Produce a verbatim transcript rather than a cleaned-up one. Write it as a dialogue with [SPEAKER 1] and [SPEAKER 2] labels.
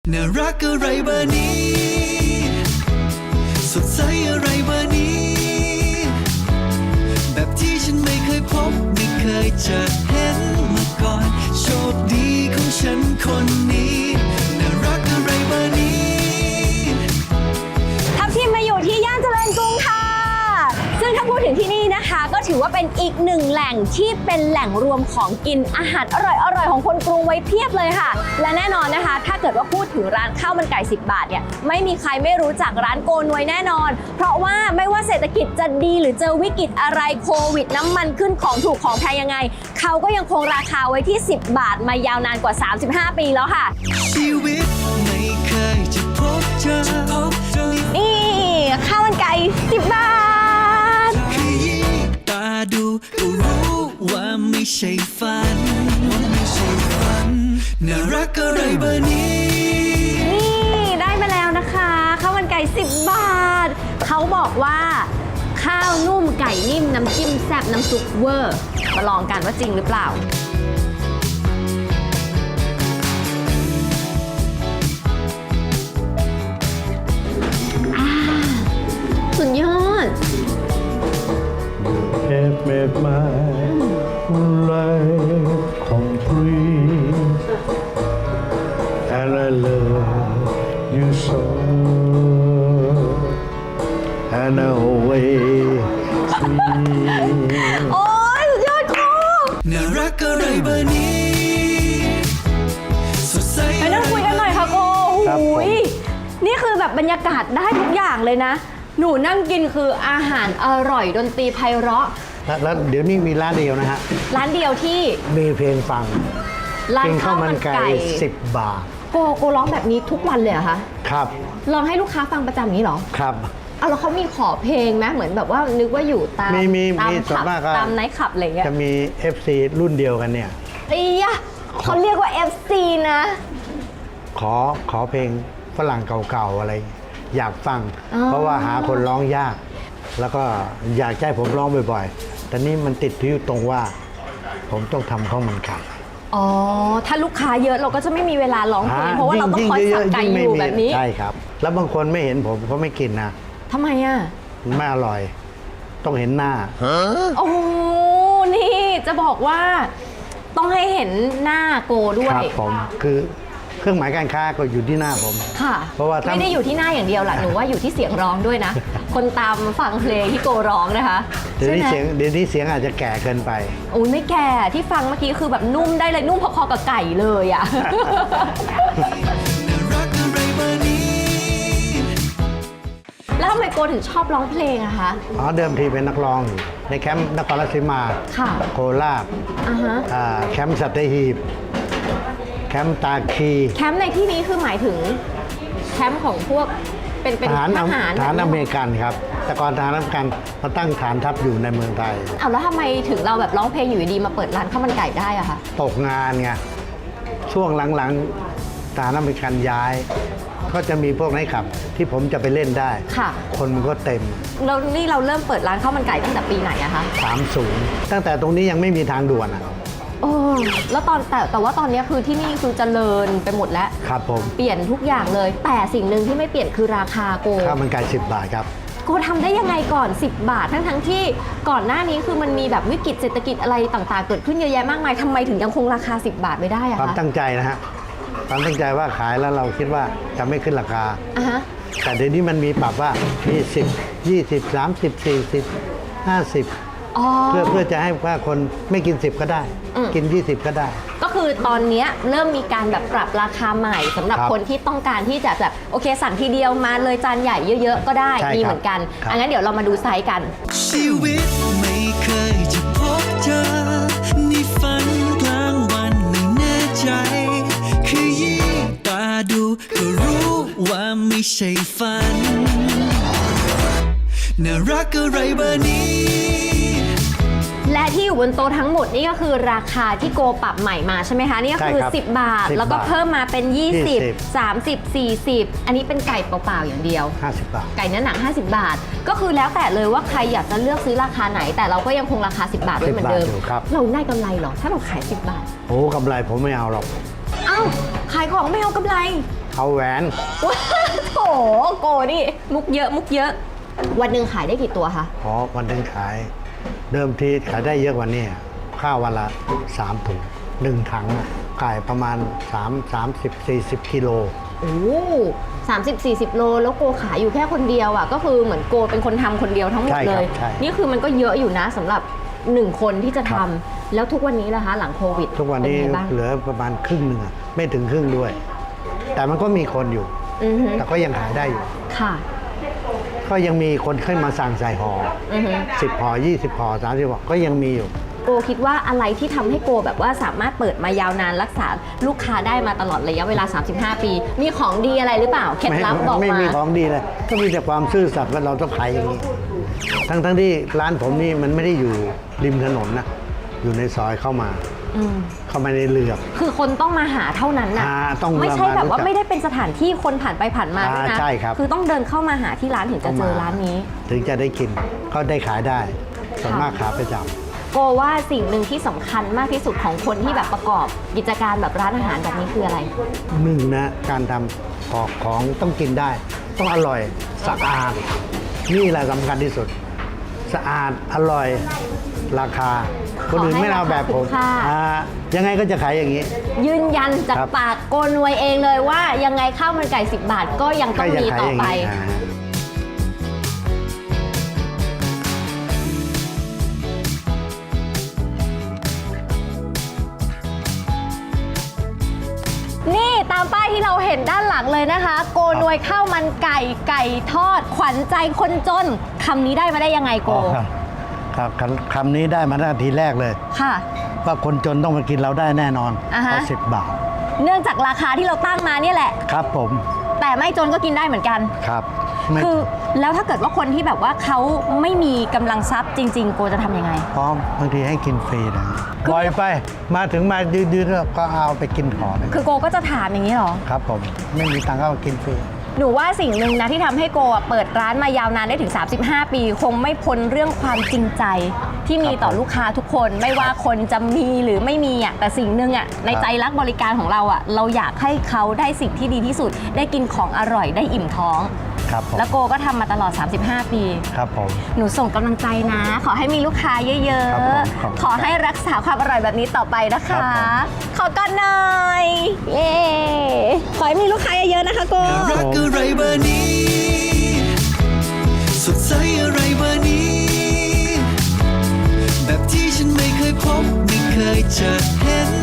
[SPEAKER 1] น่ารักอะไรเบอร์นี้สดใสอะไรเบอร์นี้แบบที่ฉันไม่เคยพบไม่เคยจะเห็นมาก่อนโชคดีของฉันคนนี้น่ารักอะไรเบอร์นี้
[SPEAKER 2] ทัพทีมมาอยู่ที่ย่านเจริญกรุงค่ะซึ่งถ้าพูดถึงที่นี่นะคะก็ถือว่าเป็นอีกหนึ่งแหล่งที่เป็นแหล่งรวมของกินอาหารอร่อยๆของคนกรุงไว้เพียบเลยค่ะและแน่นอนนะคะถ้าเกิดว่าพูดถึงร้านข้าวมันไก่สิบบาทเนี่ยไม่มีใครไม่รู้จักร้านโกนวยแน่นอนเพราะว่าไม่ว่าเศรษฐกิจจะดีหรือเจอวิกฤตอะไรโควิดน้ำมันขึ้นของถูกของแพงยังไงเขาก็ยังคงราคาไว้ที่สิบบาทมายาวนานกว่าสามสิบห้าปีแล้วค่ะ
[SPEAKER 1] ชีวิตไม่เคยจะพบเจอ
[SPEAKER 2] นี่ข้าวมันไก่สิบบาท
[SPEAKER 1] ขยี้ตาดูก็รู้ว่าไม่ใช่ฝันว่าไม่ใช่ฝันน่ารักอะไรเบอร์นี้
[SPEAKER 2] นี่ได้มาแล้วนะคะข้าวมันไก่สิบบาทเขาบอกว่าข้าวนุ่มไก่นิ่มน้ำจิ้มแซ่บน้ำซุปเวอร์มาลองกันว่าจริงหรือเปล่าสุดยอด
[SPEAKER 3] Have made my life complete and I love you so and I always see
[SPEAKER 2] โอ้ยสุดยอดครู
[SPEAKER 1] น่ารักอะไรเบอร์นี้สดใส
[SPEAKER 2] ไปนั่งคุยกันหน่อยค่ะโกหูยนี่คือแบบบรรยากาศได้ทุกอย่างเลยนะหนูนั่งกินคืออาหารอร่อยดนตรีไพเราะ
[SPEAKER 3] แล้วเดี๋ยวนี้มีร้านเดียวนะฮะ
[SPEAKER 2] ร้านเดียวที่
[SPEAKER 3] มีเพลงฟัง
[SPEAKER 2] ร้านข้าวมันไก่
[SPEAKER 3] สิบบาท
[SPEAKER 2] โกโกร้องแบบนี้ทุกวันเลยเหรอคะ
[SPEAKER 3] ครับ
[SPEAKER 2] ลองให้ลูกค้าฟังประจำนี้เหรอ
[SPEAKER 3] ครับ
[SPEAKER 2] เอาแล้วเขามีขอเพลงไหมเหมือนแบบว่านึกว่าอยู่ตามตามขับตามไนท์ขับอะไรเงี้ย
[SPEAKER 3] จะมี เอฟ ซี รุ่นเดียวกันเนี่ย
[SPEAKER 2] ไอ้ยะเขาเรียกว่า เอฟ ซี นะ
[SPEAKER 3] ขอขอเพลงฝรั่งเก่าๆอะไรอยากฟังเพราะว่าหาคนร้องยากแล้วก็อยากให้ผมร้องบ่อยๆแต่นี่มันติดที่ตรงว่าผมต้องทำข้าวมันไก่
[SPEAKER 2] อ๋อถ้าลูกค้าเยอะเราก็จะไม่มีเวลาร้องเพลงเพราะว่าเราต้องคอยสับไก่อยู่แบบนี้
[SPEAKER 3] ใช่ครับแล้วบางคนไม่เห็นผมเขาไม่กินนะ
[SPEAKER 2] ทำไมอ่ะ
[SPEAKER 3] ไม่อร่อยต้องเห็นหน้า
[SPEAKER 2] โอ้นี่จะบอกว่าต้องให้เห็นหน้าโกด้วย
[SPEAKER 3] ครับผมคือเครื่องหมายการค้าก็อยู่ที่หน้าผม
[SPEAKER 2] ค่ะ
[SPEAKER 3] เพราะว่า
[SPEAKER 2] ไม่ได้อยู่ที่หน้าอย่างเดียวล่ะหนูว่าอยู่ที่เสียงร้องด้วยนะ คนตามฟังเพลงที่โกร้องนะคะ
[SPEAKER 3] เดี๋ยวนี้เสียงเดี๋ยวนี้เสียงอาจจะแก่เกินไป
[SPEAKER 2] โอ้ยไม่แก่ที่ฟังเมื่อกี้คือแบบนุ่มได้เลยนุ่มพอๆกับไก่เลยอ่ะแล้วทำไมโกถึงชอบร้องเพลงอะคะ
[SPEAKER 3] อ๋อเดิมทีเป็นนักร้องในแคมป์นครราชสีมาโคราชแคมป์สัตหีบแคมป์ตาคี
[SPEAKER 2] แคมป์ในที่นี้คือหมายถึงแคมป์ของพวกเป็นเป็นทหารท
[SPEAKER 3] หารอเมริกันครับแต่ก่อนทหารอเมริกันมาตั้งฐานทัพอยู่ในเมืองไทย
[SPEAKER 2] อ้าวแล้วทำไมถึงเราแบบร้องเพลงอยู่ดีมาเปิดร้านข้าวมันไก่ได้อะคะ
[SPEAKER 3] ตกงานไงช่วงหลังๆทหารอเมริกันย้ายก็จะมีพวกไนท์คลับที่ผมจะไปเล่นได้
[SPEAKER 2] ค่ะ
[SPEAKER 3] คนมันก็เต็ม
[SPEAKER 2] แล้วนี่เราเริ่มเปิดร้านข้าวมันไก่ตั้งแต่ปีไหนอะคะ
[SPEAKER 3] สามสิบตั้งแต่ตรงนี้ยังไม่มีทางด่วนอะ
[SPEAKER 2] โอ้แล้วตอนแต่แต่ว่าตอนนี้คือที่นี่คือเจริญไปหมดแล้ว
[SPEAKER 3] ครับผม
[SPEAKER 2] เปลี่ยนทุกอย่างเลยแต่สิ่งหนึ่งที่ไม่เปลี่ยนคือราคาโก
[SPEAKER 3] ข้าวมันไก่สิบบาทครับ
[SPEAKER 2] โกทำได้ยังไงก่อนสิบบาททั้งทั้งที่ก่อนหน้านี้คือมันมีแบบวิกฤตเศรษฐกิจอะไรต่างๆเกิดขึ้นเยอะแยะมากมายทำไมถึงยังคงราคาสิบบาทไม่ได้อะคะ
[SPEAKER 3] ความตั้งใจนะฮะความตั้งใจว่าขายแล้วเราคิดว่าจะไม่ขึ้นราคา
[SPEAKER 2] อ่ะฮะ
[SPEAKER 3] แต่เดี๋ยวนี้มันมีปรับว่ามีสิบ ยี่สิบ สามสิบ สี่สิบ ห้าสิบเพื่อเพื่อจะให้ว่าคนไม่กินสิบก็ได้กินยี่สิบก็ได้
[SPEAKER 2] ก็คือตอนนี้เริ่มมีการแบบปรับราคาใหม่สำหรับคนที่ต้องการที่จะแบบโอเคสั่งทีเดียวมาเลยจานใหญ่เยอะๆก็ได้มีเหมือนกันอังั้นเดี๋ยวเรามาดูไซส์กัน
[SPEAKER 1] ชีวิตไม่เคยจะพบเจอนี่ฝันกลางวันไม่แน่ใจขยี้ตาดูก็รู้ว่าไม่ใช่ฝันน่ารักอะไรเบอร์นี้
[SPEAKER 2] และที่อยู่บนโต๊ะทั้งหมดนี่ก็คือราคาที่โกปรับใหม่มาใช่ไหมคะนี่ก็คือสิบบาทแล้วก็เพิ่มมาเป็นยี่สิบ สามสิบ สี่สิบอันนี้เป็นไก่เปล่าๆอย่างเดียว
[SPEAKER 3] ห้าสิบบาท
[SPEAKER 2] ไก่เนื้อหนังห้าสิบบาทก็คือแล้วแต่เลยว่าใครอยากจะเลือกซื้อราคาไหนแต่เราก็ยังคงราคาสิบบาทไว้เหมือนเดิมเราได้กำไรหรอถ้าเราขายสิบบาท
[SPEAKER 3] โอ้กำไรผมไม่เอาหรอก
[SPEAKER 2] อ้าวขายของไม่เอากำไร
[SPEAKER 3] เอาแหวน
[SPEAKER 2] ว้าวโถโกนี่มุกเยอะมุกเยอะ วันหนึ่งขายได้กี่ตัวคะ
[SPEAKER 3] อ๋อวันหนึ่งขาย เดิมทีขายได้เยอะกว่านี้ข้าววันละสามถุงหนึ่งถังขายประมาณ3 30 40กิโล
[SPEAKER 2] โอ้สามสิบสี่สิบโลแล้วโกขายอยู่แค่คนเดียวอ่ะก็คือเหมือนโกเป็นคนทำคนเดียวทั้งหมด
[SPEAKER 3] ใช่
[SPEAKER 2] เล
[SPEAKER 3] ครับ
[SPEAKER 2] ย
[SPEAKER 3] ใช่
[SPEAKER 2] นี่คือมันก็เยอะอยู่นะสำหรับหนึ่งคนที่จะ
[SPEAKER 3] ครั
[SPEAKER 2] ทำ
[SPEAKER 3] บ
[SPEAKER 2] แล้วทุกวันนี้ล่ะคะหลังโควิด
[SPEAKER 3] ทุกวันนี้
[SPEAKER 2] เป็ไงบ้าง
[SPEAKER 3] เหลือประมาณครึ่งหนึ่งอะไม่ถึงครึ่งด้วย แต่มันก็มีคนอยู่
[SPEAKER 2] อือฮึ
[SPEAKER 3] แต่ก็ยังขายได้อยู่
[SPEAKER 2] ค่ะ
[SPEAKER 3] ก็ยังมีคนขึ้นมาสั่งใส่ห่อ
[SPEAKER 2] อือฮึ
[SPEAKER 3] สิบห่อยี่สิบห่อสามสิบห่อก็ยังมีอยู่
[SPEAKER 2] โกคิดว่าอะไรที่ทำให้โกแบบว่าสามารถเปิดมายาวนานรักษาลูกค้าได้มาตลอดระยะเวลา สามสิบห้า ปี มีของดีอะไรหรือเปล่าเคล็ดลับบอก
[SPEAKER 3] ไม่
[SPEAKER 2] มา
[SPEAKER 3] มีของดีเลย ก็มีแต่ความซื่อสัตย์ว่าเราต้องขายอย่างนี้ ทั้งทั้งที่ร้านผมนี่มันไม่ได้อยู่ริมถนนนะ อยู่ในซอยเข้ามา
[SPEAKER 2] อืม
[SPEAKER 3] เข้ามาในเหลือบ
[SPEAKER 2] คือคนต้องมาหาเท่านั้นนะ
[SPEAKER 3] อ่าต้อง
[SPEAKER 2] ไม่ใช่แบบว่า
[SPEAKER 3] มารู้จัก
[SPEAKER 2] ไม่ได้เป็นสถานที่คนผ่านไปผ่านมา
[SPEAKER 3] อ่า
[SPEAKER 2] ด้วยนะ
[SPEAKER 3] ใช่ครับ
[SPEAKER 2] คือต้องเดินเข้ามาหาที่ร้านถึงจะเจอร้านนี้
[SPEAKER 3] ถึงจะได้กิน ก็ได้ขายได้ ส่วนมากขาประจ
[SPEAKER 2] โกว่าสิ่งหนึ่งที่สำคัญมากที่สุดของคนที่แบบประกอบกิจการแบบร้านอาหารแบบนี้คืออะไร
[SPEAKER 3] ำหนึ่งนะ การทำของของต้องกินได้ ต้องอร่อยสะอาด นี่แหละสำคัญที่สุด สะอาดอร่อยราคา คนอื่นไม่เอาแบบผม
[SPEAKER 2] ขอให้ราคาคุ้มค่า
[SPEAKER 3] อ่ายังไงก็จะขายอย่างนี้
[SPEAKER 2] ยืนยันจาก
[SPEAKER 3] ครับ
[SPEAKER 2] ปากโกนวยเองเลยว่ายังไงข้าวมันไก่สิบบาทก็ยังต้อง
[SPEAKER 3] ก็ยัง
[SPEAKER 2] มี
[SPEAKER 3] ขาย
[SPEAKER 2] ต่อ
[SPEAKER 3] อย่าง
[SPEAKER 2] ไป
[SPEAKER 3] นี้อ่า
[SPEAKER 2] นี่ตามป้ายที่เราเห็นด้านหลังเลยนะคะ โกนวยข้าวมันไก่ไก่ทอด ขวัญใจคนจนคำนี้ได้มาได้ยังไงโก
[SPEAKER 3] อ๋อครับครับคำคำนี้ได้มาตั้งแต่ทีแรกเลย
[SPEAKER 2] ค่ะ
[SPEAKER 3] ว่าคนจนต้องมากินเราได้แน่นอน
[SPEAKER 2] อ่าฮะ
[SPEAKER 3] เพราะสิบบาท
[SPEAKER 2] เนื่องจากราคาที่เราตั้งมาเนี่ยแหละ
[SPEAKER 3] ครับผม
[SPEAKER 2] แต่ไม่จนก็กินได้เหมือนกัน
[SPEAKER 3] ครับไม่
[SPEAKER 2] คือแล้วถ้าเกิดว่าคนที่แบบว่าเขาไม่มีกำลังทรัพย์จริง ๆ โกจะทำยังไง
[SPEAKER 3] พร้อมบางทีให้กินฟรีนะปล่อยไปมาถึงมายืนๆก็เอาไปกินขอเลย
[SPEAKER 2] คือโกก็จะถามอย่างนี้เหรอ
[SPEAKER 3] ครับผมไม่มีตังค์ก็เอากินฟรี
[SPEAKER 2] หนูว่าสิ่งหนึ่งนะที่ทำให้โกอ่ะเปิดร้านมายาวนานได้ถึง สามสิบห้า ปี คงไม่พ้นเรื่องความจริงใจ ที่มีต่อลูกค้าทุกคน ไม่ว่าคนจะมีหรือไม่มีอ่ะแต่สิ่งหนึ่งอ่ะในใจรักบริการของเราอ่ะเราอยากให้เขาได้สิ่งที่ดีที่สุด ได้กินของอร่อยได้อิ่มท้อง
[SPEAKER 3] ครับผม
[SPEAKER 2] แล้วโกก็ทำมาตลอด สามสิบห้า ปี
[SPEAKER 3] ครับผม
[SPEAKER 2] หนูส่งกำลังใจนะ ขอให้มีลูกค้าเยอะ
[SPEAKER 3] ครับผมขอบคุณ
[SPEAKER 2] ๆ ขอให้รักษาความอร่อยแบบนี้ต่อไปนะ
[SPEAKER 3] ครั
[SPEAKER 2] คะ
[SPEAKER 3] บผม
[SPEAKER 2] ขอก่อนหน่อย เย้ขอให้มีลูกค้าเยอะๆนะคะโก
[SPEAKER 1] รักอะไรเบอร์นี้ สดใสอะไรเบอร์นี้ แบบที่ฉันไม่เคยพบ ไม่เคยจะเห็น